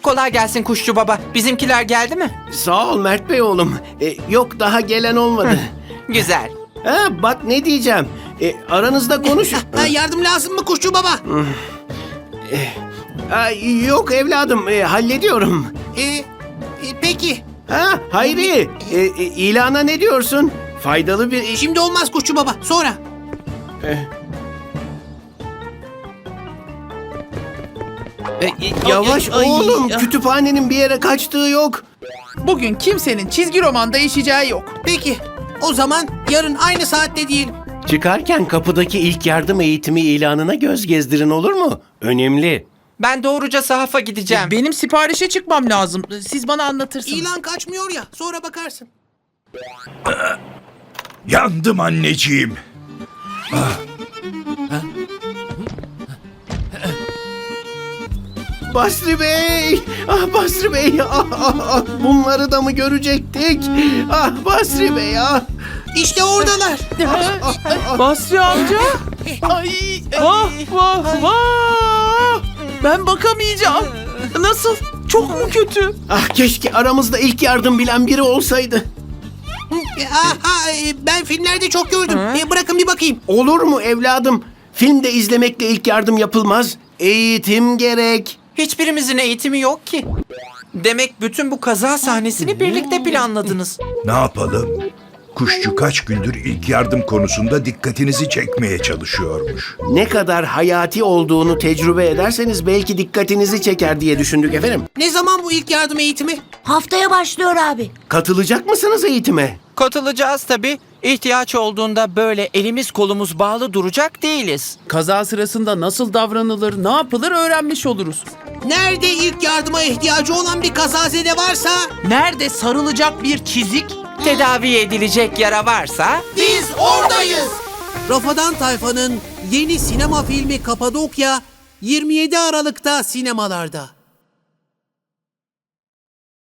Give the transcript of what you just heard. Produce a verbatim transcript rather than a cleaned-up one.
Kolay gelsin Kuşçu Baba. Bizimkiler geldi mi? Sağ ol Mert Bey oğlum. E, yok daha gelen olmadı. Güzel. Ha, bak ne diyeceğim. E, aranızda konuş. Ha, yardım lazım mı Kuşçu Baba? Ha, yok evladım e, hallediyorum. Ee, e, peki. Ha Hayri e, e, ilana ne diyorsun? Faydalı bir iş. Şimdi olmaz Kuşçu Baba. Sonra. Yavaş Ay, ay, oğlum ay. kütüphanenin bir yere kaçtığı yok. Bugün kimsenin çizgi roman değişeceği yok. Peki. O zaman yarın aynı saatte diyelim. Çıkarken kapıdaki ilk yardım eğitimi ilanına göz gezdirin olur mu? Önemli. Ben doğruca sahafa gideceğim. Benim siparişe çıkmam lazım. Siz bana anlatırsınız. İlan kaçmıyor ya. Sonra bakarsın. Yandım anneciğim. Basri Bey! Ah Basri Bey! Ah, ah, ah. Bunları da mı görecektik? Ah Basri Bey ah! İşte oradalar. Basri amca. Ay, vah vah vah. Ben bakamayacağım. Nasıl? Çok mu kötü? Ah keşke aramızda ilk yardım bilen biri olsaydı. E, ah, ah, e, ben filmlerde çok gördüm. E, bırakın bir bakayım. Olur mu evladım? Filmde izlemekle ilk yardım yapılmaz. Eğitim gerek. Hiçbirimizin eğitimi yok ki. Demek bütün bu kaza sahnesini birlikte planladınız. Ne yapalım? Kuşçu kaç gündür ilk yardım konusunda dikkatinizi çekmeye çalışıyormuş. Ne kadar hayati olduğunu tecrübe ederseniz belki dikkatinizi çeker diye düşündük efendim. Ne zaman bu ilk yardım eğitimi? Haftaya başlıyor abi. Katılacak mısınız eğitime? Katılacağız tabii. İhtiyaç olduğunda böyle elimiz kolumuz bağlı duracak değiliz. Kaza sırasında nasıl davranılır, ne yapılır öğrenmiş oluruz. Nerede ilk yardıma ihtiyacı olan bir kazazede varsa Nerede sarılacak bir çizik? Tedavi edilecek yara varsa biz oradayız. Rafadan Tayfa'nın yeni sinema filmi Kapadokya yirmi yedi Aralık'ta sinemalarda.